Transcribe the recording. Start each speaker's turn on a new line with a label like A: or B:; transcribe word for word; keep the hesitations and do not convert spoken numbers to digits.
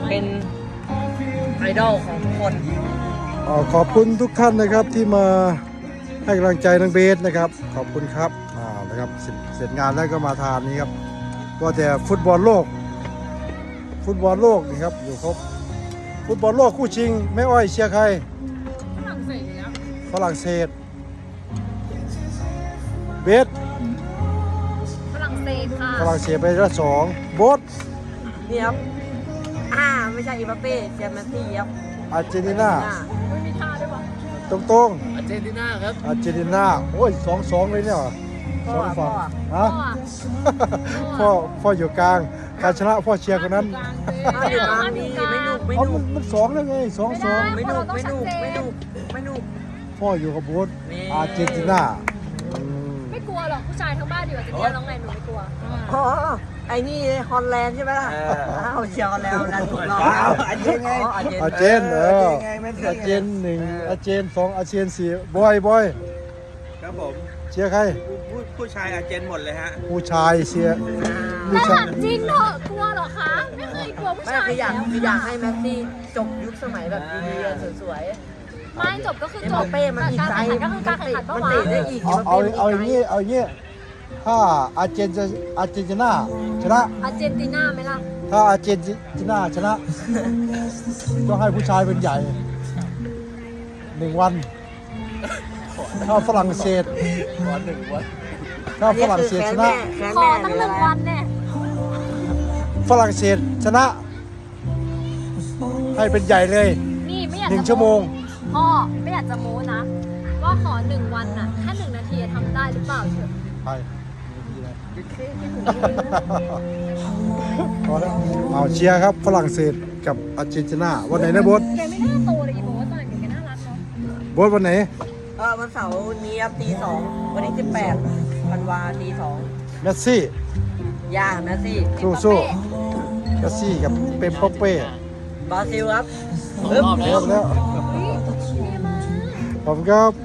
A: เป็นไอดอลของทุกคน
B: ขอบคุณทุกท่านนะครับที่มาให้กำลังใจน้องเบสนะครับขอบคุณครับอ่านะครับเสร็จเสร็จงานแล้วก็มาทานนี้ครับก็แต่ฟุตบอลโลกฟุตบอลโลกนี่ครับอยู่ครบฟุตบอลโลกคู่ชิงแม่อ้อยเชียร์ใครฝรั่งเศสครับฝรั่งเศสเบส
C: ฝรั่งเศสค่ะ
B: ฝรั่งเศสไปละสองโบส
A: นี่ครับอ่าไม่ใช่อีมบัปเป้เจมส์ซี่ครับ
B: อาร์เจนตินา
C: ไม่มีท่าด้วยวะ
B: ตรงตรง
A: อาร์เจนตินาครับ
B: อาร์เจนตินาโอ้ยสองสองเลยเนี่ยสองฝั่งฮะ พ่อพ่ออยู่กลางการชนะพ่อเชียร์คนนั้น
A: ไม่หนุกไม่หนุกไม่
B: เอา
A: หนุ
B: มัน
A: ก
B: มันสองแล้วไงสองสอง
A: ไม่หนุกไม่หนุกไม่หนุกไม่หนุก
B: พ่ออยู่กับโบ๊ท
A: นี่
B: อาร์เจนตินาอืม
C: ไม่กลัวหรอกผู้ชายทั้งบ้านอยู่อาร์เจนตินาน้องไงหนูไม่กลัว
A: อ๋อไอ้นี่ฮอลแลนด์ใช่ไหมล่ะอ้าวเชียร์ฮอลแลนด์ดันถูกรอบ
D: อาร์เจนไง
A: อาร์เจน
B: อาร์เจนเอออาร์เจนหนึ่งอาร์เจนสองอาร์เจนสี่บอยบอย
D: ครับผม
B: เชียร์ใคร
D: ผู้ผู้ชายอาร์เจนหมดเลยฮะ
B: ผู้ชายเชียร์ผู้
C: แต่
B: ชา
C: ถาย มจริงเถอะกลัวเหรอคะ ไม่เคยกลัวผู้
A: ไม่
C: ชาย
A: คืออยาก
C: แล้ว
A: คืออยากให้แมสซี่จบยุคสมัยแบบดีๆสวย
C: ไม่จบก็คือ
A: ๆเอ็ม
C: จ
A: บั
C: บ
A: ปเป้มันมี
C: การ
A: ใจ
C: แข่งขันก็คือการแข่งขัน
A: มัน
C: ปะวะ
A: เตะได้อีก
B: เอาเอาเอาอย่างนี้เอาอย่างนี้ถ้าอาร์เจนจะอาร์เจนตินาชนะ
C: อาร์เจนตินาไหมล่ะ
B: ถ้าอาร์เจนตินาชนะต้องให้ผู้ชายเป็นใหญ่หนึ่งวันถ้าฝรั่งเศสถ้าฝรั่งเศสชนะ
A: แค้น
C: ขอ
A: แม่
C: ตั้ง
A: ห
C: ห
A: รือ
C: นึ่ง
A: อะไร
C: วันเนี่ย
B: ฝรั่งเศสชนะ ให้เป็นใหญ่เลย
C: นี่ไม่อยาก
B: หนึ่ง
C: จะ
B: ชั่วโมง
C: พ่อไม่อยากจะโม้นะว่าขอหนึ่งวันน่ะแค่หนึ่งนาทีทำได้หรือเปล่าเถอะ
B: ไปเอาแล้วเอาเชียร์ครับฝรั่งเศสกับอาร์เจนตินาวันไหนนะโบ๊ท
C: แกไม่น่าโตเลยอีโบว่าตอนเด็กแกน่ารักเนาะ
B: โบ๊ทวันไหน
A: เออวันเสาร์นี้ครับตีสองวันที่สิบแปดวันวาตีสอง
B: เมสซี่
A: ย่างนะสิ
B: สู้สู้เมสซี่กับเปมโปเป้
A: บราซิลครับ
B: เริ่มแล้ว
C: เฮ้ยเท่มาก
B: ผมครับ